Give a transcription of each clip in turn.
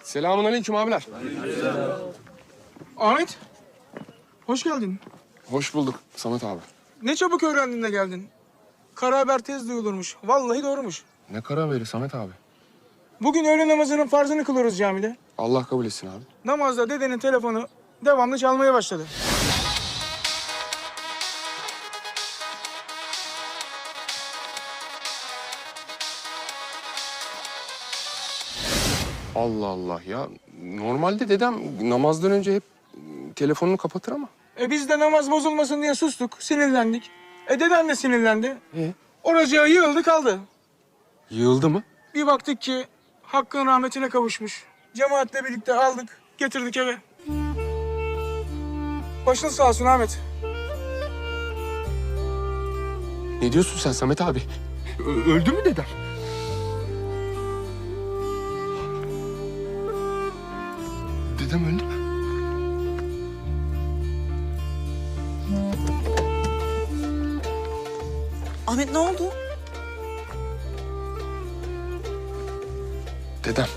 Selamünaleyküm abiler. Ahmet, hoş geldin. Hoş bulduk Samet abi. Ne çabuk öğrendin de geldin. Kara haber tez duyulurmuş. Vallahi doğrumuş. Ne karar verir Samet abi? Bugün öğle namazının farzını kılıyoruz camide. Allah kabul etsin abi. Namazda dedenin telefonu devamlı çalmaya başladı. Allah Allah ya. Normalde dedem namazdan önce hep telefonunu kapatır ama. Biz de namaz bozulmasın diye sustuk, sinirlendik. Deden de sinirlendi. E? Oracığa yığıldı kaldı. Yığıldı mı? Bir baktık ki Hakk'ın rahmetine kavuşmuş. Cemaatle birlikte aldık, getirdik eve. Başın sağ olsun Ahmet. Ne diyorsun sen Samet abi? Öldü mü dedem? Dedem öldü mü? Ahmet ne oldu? Dedem.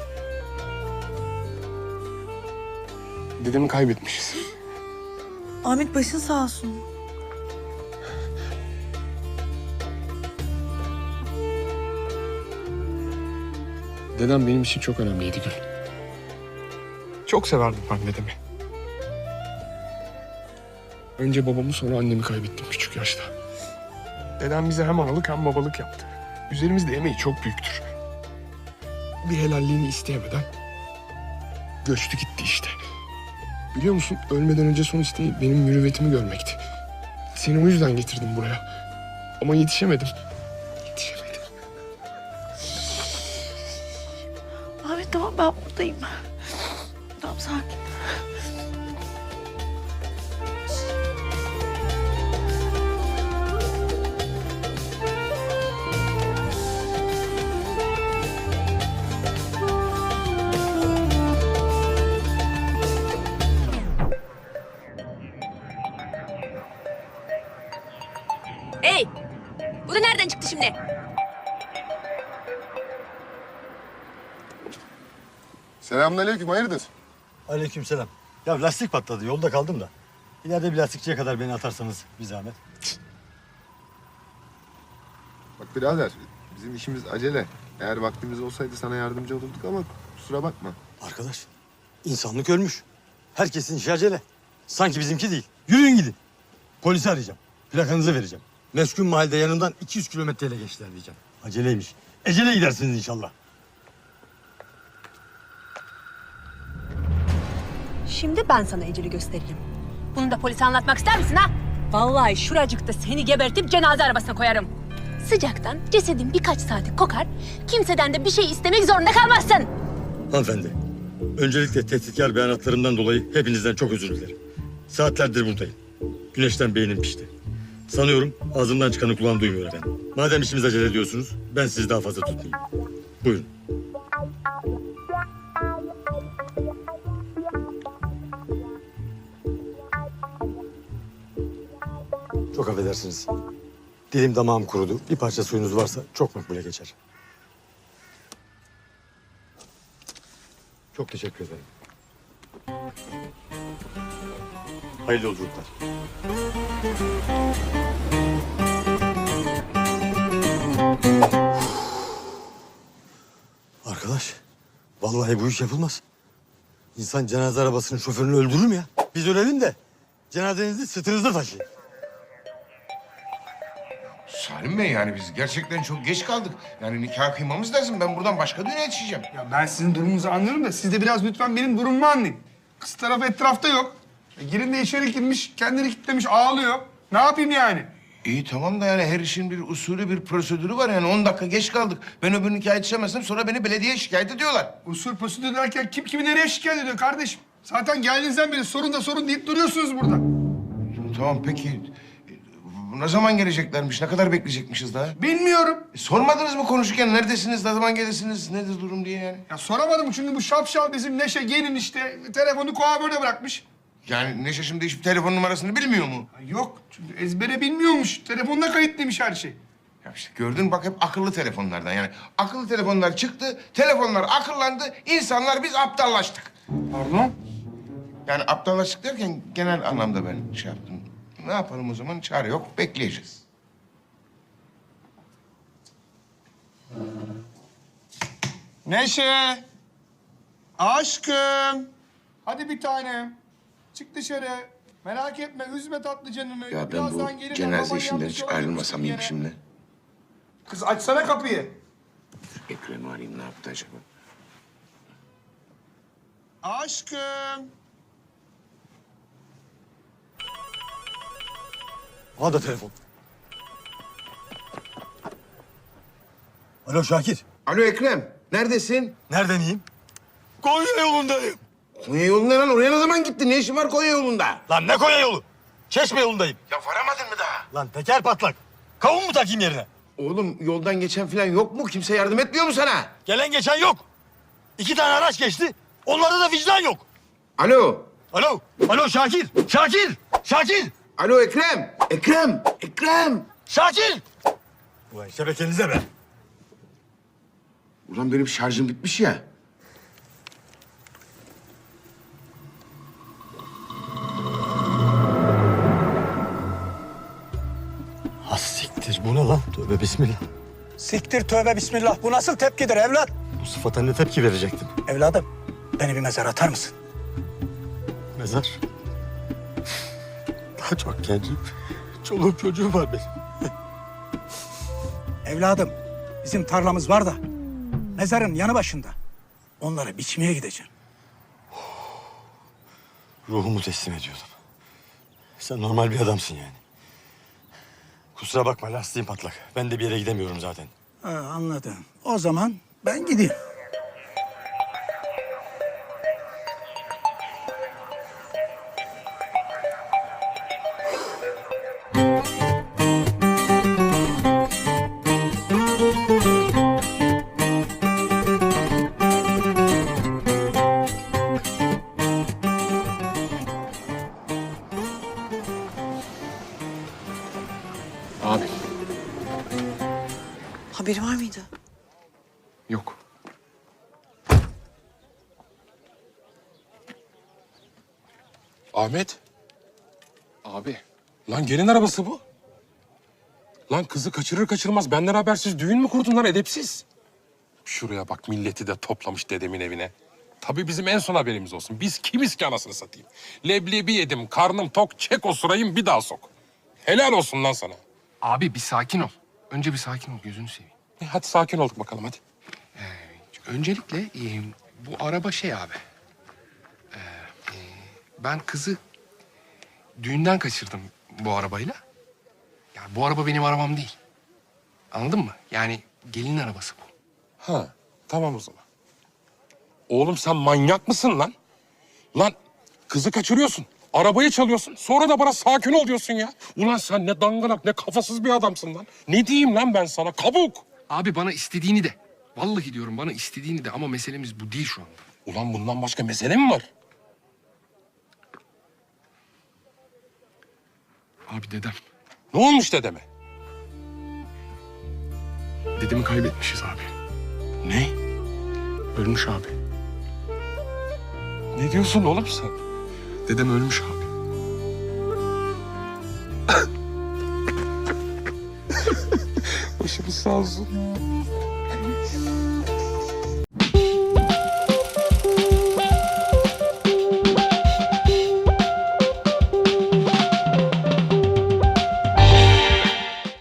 Dedemi kaybetmişiz. Ahmet başın sağ olsun. Dedem benim için çok önemliydi Gül. Çok severdim ben dedemi. Önce babamı sonra annemi kaybettim küçük yaşta. Dedem bize hem analık hem babalık yaptı. Üzerimizde emeği çok büyüktür. Bir helalliğini isteyemeden göçtü gitti işte. Biliyor musun ölmeden önce son isteği benim mürüvvetimi görmekti. Seni o yüzden getirdim buraya. Ama yetişemedim. Yetişemedim. Ahmet tamam ben buradayım. Tamam sakin. Hey! Bu da nereden çıktı şimdi? Selamünaleyküm, hayırdır? Aleykümselam. Ya lastik patladı. Yolda kaldım da. İleride bir lastikçiye kadar beni atarsanız bir zahmet. Bak birader, bizim işimiz acele. Eğer vaktimiz olsaydı sana yardımcı olurduk ama kusura bakma. Arkadaş, insanlık ölmüş. Herkesin işi acele. Sanki bizimki değil. Yürüyün gidin. Polisi arayacağım. Plakanızı vereceğim. Meskun mahallede yanından 200 kilometreyle geçtiler diyeceğim. Aceleymiş. Ecele gidersiniz inşallah. Şimdi ben sana eceli göstereyim. Bunu da polise anlatmak ister misin ha? Vallahi şuracıkta seni gebertip cenaze arabasına koyarım. Sıcaktan cesedin birkaç saati kokar, kimseden de bir şey istemek zorunda kalmazsın. Hanımefendi, öncelikle tehditkar beyanatlarımdan dolayı hepinizden çok özür dilerim. Saatlerdir buradayım. Güneşten beynim pişti. Sanıyorum ağzımdan çıkanı kulağım duymuyor efendim. Madem işimiz acele ediyorsunuz, ben sizi daha fazla tutmayayım. Buyurun. Çok affedersiniz. Dilim damağım kurudu. Bir parça suyunuz varsa çok makbule geçer. Çok teşekkür ederim. Hayırlı yolculuklar. Arkadaş, vallahi bu iş yapılmaz. İnsan cenaze arabasının şoförünü öldürür mü ya? Biz ölelim de cenazenizi sırtınızda taşıyın. Salim Bey yani biz gerçekten çok geç kaldık. Yani nikah kıymamız lazım. Ben buradan başka düğüne yetişeceğim. Ya ben sizin durumunuzu anlarım da siz de biraz lütfen benim durumumu anlayın. Kız tarafı etrafta yok. Girin de içeri girmiş, kendini kilitlemiş, ağlıyor. Ne yapayım yani? İyi tamam da yani her işin bir usulü, bir prosedürü var. Yani 10 dakika geç kaldık. Ben öbür nikah yetişemezsem sonra beni belediyeye şikayet ediyorlar. Usul prosedür derken kim kimi nereye şikayet ediyor kardeşim? Zaten geldiğinizden beri sorun da sorun deyip duruyorsunuz burada. Tamam peki. Ne zaman geleceklermiş? Ne kadar bekleyecekmişiz daha? Bilmiyorum. Sormadınız mı konuşurken neredesiniz, ne zaman gelirsiniz, nedir durum diye yani? Ya soramadım çünkü bu şapşal bizim Neşe gelin işte telefonu kuaförde bırakmış. Yani Neşe şimdi hiçbir telefon numarasını bilmiyor mu? Ya yok çünkü ezbere bilmiyormuş. Telefonuna kayıtlıymış her şey. Ya işte gördün bak hep akıllı telefonlardan yani. Akıllı telefonlar çıktı, telefonlar akıllandı, insanlar biz aptallaştık. Pardon? Yani aptallaştık derken genel anlamda ben şey yaptım. Ne yapalım o zaman? Çare yok, bekleyeceğiz. Neşe! Aşkım! Hadi bir tanem. Çık dışarı. Merak etme, üzme tatlı canını. Ya ben bu Birazdan gelir, cenaze baban işinden yanlış hiç yola ayrılmasam iyiyim gitmiştir yine. şimdi. Kız açsana kapıyı. Ekrem'i arayayım ne yaptı acaba? Aşkım! Al da telefon. Alo Şakir. Alo Ekrem, neredesin? Nereden iyiyim? Konya yolundayım. Konya yolunda lan. Oraya ne zaman gittin? Ne işin var Konya yolunda? Lan ne Konya yolu? Çeşme yolundayım. Ya varamadın mı daha? Lan teker patlak. Kavun mu takayım yerine? Oğlum yoldan geçen falan yok mu? Kimse yardım etmiyor mu sana? Gelen geçen yok. 2 tane araç geçti. Onlarda da vicdan yok. Alo. Alo. Alo Şakir. Şakir. Şakir. Alo Ekrem. Ekrem. Ekrem. Şakir. Ulan şebekenize be. Ulan benim şarjım bitmiş ya. Ha siktir bu ne lan? Tövbe bismillah. Siktir tövbe bismillah. Bu nasıl tepkidir evlat? Bu sıfata ne tepki verecektim? Evladım beni bir mezara atar mısın? Mezar. Daha çok gencim. Çoluğum çocuğum var benim. Evladım bizim tarlamız var da mezarın yanı başında. Onları biçmeye gideceğim. Ruhumu teslim ediyordum. Sen normal bir adamsın yani. Kusura bakma lastiğim patlak. Ben de bir yere gidemiyorum zaten. Ha, anladım. O zaman ben gideyim. Abi Haberi var mıydı? yok. Ahmet, Abi lan gelin arabası bu. Lan kızı kaçırır kaçırmaz benden habersiz düğün mü kurdun lan edepsiz? Şuraya bak milleti de toplamış dedemin evine. Tabii bizim en son haberimiz olsun. Biz kimiz ki anasını satayım? Leblebi yedim, karnım tok, çek o sırayım bir daha sok. Helal olsun lan sana. abi bir sakin ol. Önce bir sakin ol gözünü seveyim. Hadi sakin olduk bakalım hadi. Öncelikle bu araba şey abi. Ben kızı düğünden kaçırdım bu arabayla. Ya bu araba benim arabam değil. Anladın mı? Yani gelinin arabası bu. Ha, tamam o zaman. Oğlum sen manyak mısın lan? Lan kızı kaçırıyorsun, arabayı çalıyorsun. Sonra da bana sakin ol diyorsun ya. Ulan sen ne dangalak ne kafasız bir adamsın lan. Ne diyeyim lan ben sana kabuk. Abi bana istediğini de. Vallahi diyorum bana istediğini de ama meselemiz bu değil şu anda. Ulan bundan başka mesele mi var? Abi dedem. Ne olmuş dedeme? Dedemi kaybetmişiz abi. Ne? Ölmüş abi. Ne diyorsun oğlum sen? Dedem ölmüş abi. Başımız sağ olsun.